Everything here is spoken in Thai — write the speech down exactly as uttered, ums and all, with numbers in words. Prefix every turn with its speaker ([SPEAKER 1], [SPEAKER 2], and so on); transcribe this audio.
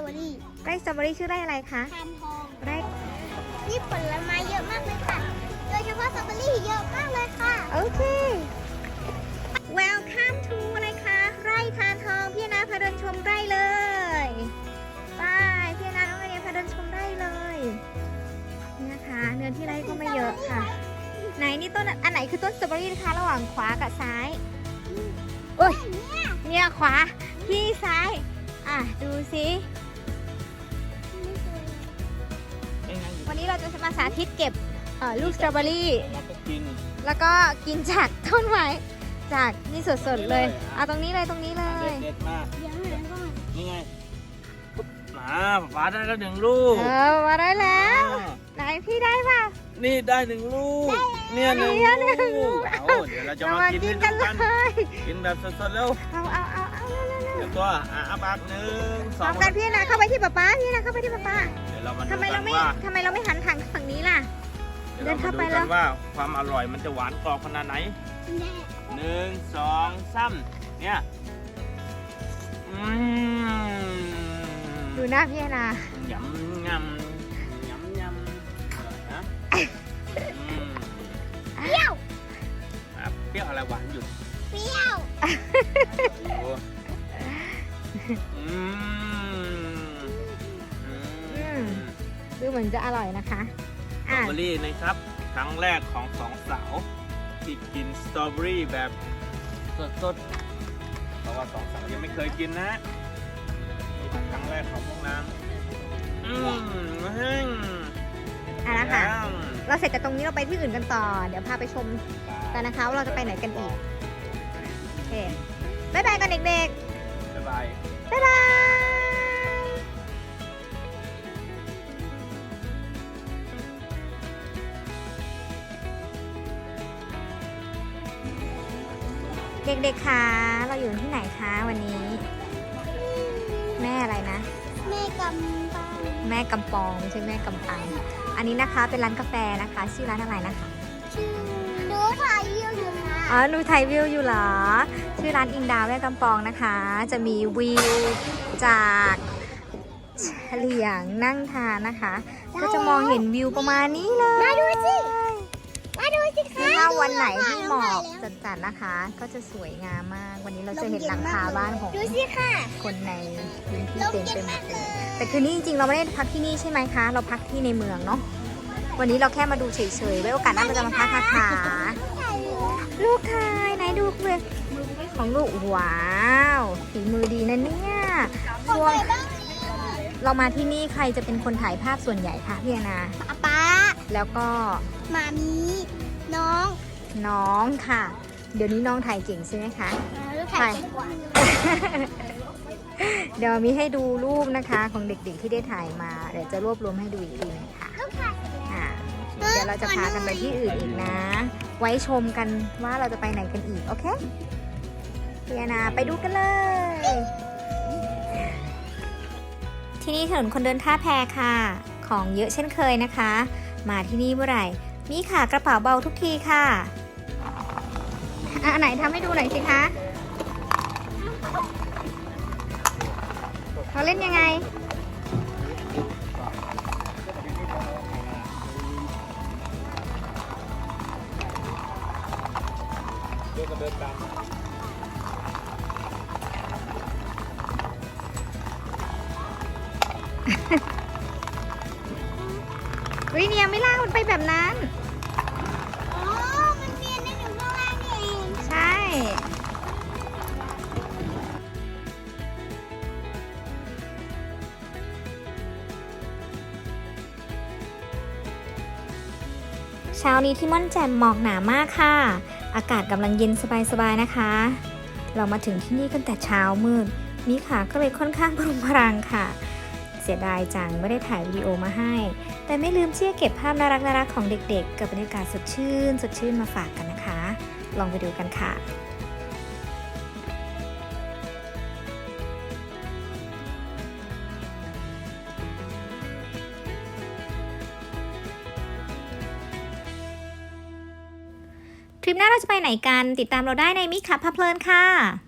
[SPEAKER 1] อรี่
[SPEAKER 2] ไร่สตรอเบอรี่ชื่อไร่อะไรคะ
[SPEAKER 1] ทานทอง
[SPEAKER 2] ไร่
[SPEAKER 1] นี่ผลไม้เยอะมากเลยค่ะโดยเฉพาะสตรอเบอรี่เยอะมากเลยค่ะ
[SPEAKER 2] โอเค Welcome to อะไรคะไร่ทานทองพี่นาพาเดินชมไร่เลยไปพี่นาน้องไอเดียพาเดินชมไร่เลยนี่นะคะเนื้อที่ไร่ก็ไม่เยอะค่ะไหนนี่ต้นอันไหนคือต้นสตรอเบอรี่นะคะระหว่างขวากับซ้ายโอ้ยเนี่ยขวาพี่ซ้ายอ่ะดูสิวันนี้เราจะมาสาธิตเก็บเอ่อลูกสตรอเบอรี่
[SPEAKER 3] แล้วก็กิน
[SPEAKER 2] แล้วก็กินจากต้นไม้จากนี่สดๆเลยเอาตรงนี้เลยตรงนี้เลย
[SPEAKER 3] เด็ดๆมาก
[SPEAKER 1] เดี๋ยวหาก่อน
[SPEAKER 3] นี่ไงปุ๊บมาฟ้าได้แล้วหนึ่งลูก
[SPEAKER 2] เออมาได้แล้วไหนพี่ได้ป่ะ
[SPEAKER 3] นี่ได้หนึ่งลูกเนี่ยหนึ่ง
[SPEAKER 2] เนี่ยหนึ่งลู
[SPEAKER 3] ลู
[SPEAKER 2] ก
[SPEAKER 3] กเอาเดี๋ยวเราจะ
[SPEAKER 2] เรา
[SPEAKER 3] มา
[SPEAKER 2] มา
[SPEAKER 3] กิน
[SPEAKER 2] กิน
[SPEAKER 3] กั
[SPEAKER 2] กัน น
[SPEAKER 3] กัน
[SPEAKER 2] เลย
[SPEAKER 3] กินแบบสดๆแล้ว
[SPEAKER 2] เอาเอาเอาเอาเร็วเร็ว
[SPEAKER 3] เดี๋ยวตัวอ่ะอาปากหนึ่งส
[SPEAKER 2] พ
[SPEAKER 3] อ
[SPEAKER 2] ร้อง มกันพี่นะเข้าไปที่ป๊าป๊าพี่นะเข้าไปที่ป๊าป๊า
[SPEAKER 3] เดี๋ยวเรามาดู
[SPEAKER 2] ทำไม
[SPEAKER 3] กั
[SPEAKER 2] เรา
[SPEAKER 3] น
[SPEAKER 2] ไม่
[SPEAKER 3] ว่า
[SPEAKER 2] ทำไมเราไม่หันทางฝั่งนี้ล่ะ
[SPEAKER 3] เดี๋ยวเรา
[SPEAKER 2] เดินเข้า
[SPEAKER 3] มา
[SPEAKER 2] ไป
[SPEAKER 3] ดู
[SPEAKER 2] แล้
[SPEAKER 3] กั
[SPEAKER 2] ว
[SPEAKER 3] นว่าความอร่อยมันจะหวานกรอบขนาดไหน
[SPEAKER 1] แน่
[SPEAKER 3] หนึ่งสองสามเนี่ยอืม
[SPEAKER 2] ดูหน้าพี่นะ
[SPEAKER 3] ยำยำยำยำอร่อยนะอืม
[SPEAKER 1] เปรี้ยว
[SPEAKER 3] อ่ะเปรี้ยวอะไรหวานหยุด
[SPEAKER 1] เปรี้ยว
[SPEAKER 3] ดูอืมอืม
[SPEAKER 2] ดูเหมือนจะอร่อยนะคะ
[SPEAKER 3] สตรอเบอรี่นะครับครั้งแรกของสองสาวที่กินสตรอเบอรี่แบบสดๆเพราะว่าสองสาวยังไม่เคยกินนะนี่เป็นครั้งแรกของพวกนั้นอืมเฮ้ย
[SPEAKER 2] อ่ะนะคะเราเสร็จจากตรงนี้เราไปที่อื่นกันต่อ เดี๋ยวพาไปชมกันนะคะว่าเราจะไปไหนกันอีกโอเคบ๊ายบายกันเด็ก
[SPEAKER 3] บ๊ายบาย
[SPEAKER 2] ๆบ๊ายบายเด็กๆคะเราอยู่ที่ไหนคะวันนี้ แม่อะไรนะ
[SPEAKER 1] แม่กำปัง
[SPEAKER 2] แม่กำปองไม่ใช่แม่กำปัง อันนี้นะคะเป็นร้านกาแฟนะคะ ชื่อร้านอะไรนะคะ
[SPEAKER 1] ชื่อหนูถ่ายวิวอยู่ค่ะ
[SPEAKER 2] อ๋อดูไทยวิวอยู่เหรอ ชื่อร้านอิงดาวแม่กำปองนะคะ จะมีวิวจากเฉลียงนั่งทานนะคะ ก็จะมองเห็นวิวประมาณนี้เลย
[SPEAKER 1] มาดูสิมาดูสิคะ
[SPEAKER 2] ถ้าวันไหนที่หมอก
[SPEAKER 1] ดู
[SPEAKER 2] จัดๆนะคะ ก็จะสวยงามมาก วันนี้เราจะเห็นหลังคาบ้านของ
[SPEAKER 1] ดูสิค่ะ
[SPEAKER 2] คนในพื้นที่
[SPEAKER 1] ลม
[SPEAKER 2] เต็ม
[SPEAKER 1] เย็
[SPEAKER 2] ไป
[SPEAKER 1] น
[SPEAKER 2] หม
[SPEAKER 1] มา
[SPEAKER 2] ด
[SPEAKER 1] ก
[SPEAKER 2] เล
[SPEAKER 1] เลย ย
[SPEAKER 2] แต่คืนนี้จริงๆเราไม่ได้พักที่นี่ใช่ไหมคะ เราพักที่ในเมืองเนาะ วันนี้เราแค่มาดูเฉยๆไว้โอกาสหน้าเราจะมาพักนะคะลูกชายไหนดูเลยของลูกว้าวฝีมือดีนะเนี่ยช่วงเรามาที่นี่ใครจะเป็นคนถ่ายภาพส่วนใหญ่คะพี่อนา
[SPEAKER 1] ป๊าป๊า
[SPEAKER 2] แล้วก็
[SPEAKER 1] มามีน้อง
[SPEAKER 2] น้องค่ะ เดี๋ยวนี้น้องถ่ายเก่งใช่ไหมคะ
[SPEAKER 1] ลูกถ่ายเก่งกว่า
[SPEAKER 2] เดี๋ยวมีให้ดูรูปนะคะของเด็กๆที่ได้ถ่ายมาเดี๋ยวจะรวบรวมให้ดูอีกทีนึงค่ะ
[SPEAKER 1] ลูกถ่ายเสร็จแล้ว
[SPEAKER 2] อ่าเดี๋ยวเราจะพากันไปที่อื่นอีกนะ ไว้ชมกันว่าเราจะไปไหนกันอีกโอเคพี่อนาไปดูกันเลย ที่นี่ถนนคนเดินท่าแพค่ะ ของเยอะเช่นเคยนะคะ มาที่นี่เมื่อไหร่มีขากระเป๋าเบาทุกทีค่ะอ่ะไหนทำให้ดูหน่อยสิคะเขาเล่นยังไงวิเนี่ยไม่ล่างมันไปแบบนั้น
[SPEAKER 1] อ๋อ มันเรียนได้ถึงข้างล่างนี่เอง
[SPEAKER 2] ใช่ เช้านี้ที่ม่อนแจ่มหมอกหนามากค่ะ อากาศกำลังเย็นสบายๆนะคะ เรามาถึงที่นี่กันแต่เช้ามืดมีขาก็เลยค่อนข้างพรุงพรังค่ะ เสียดายจังไม่ได้ถ่ายวิดีโอมาให้ แต่ไม่ลืมที่จะเก็บภาพน่ารักๆของเด็กๆ กับบรรยากาศสดชื่นสดชื่นมาฝากกันนะคะ ลองไปดูกันค่ะ ทริปหน้าเราจะไปไหนกันติดตามเราได้ในมิคับพาเพลินค่ะ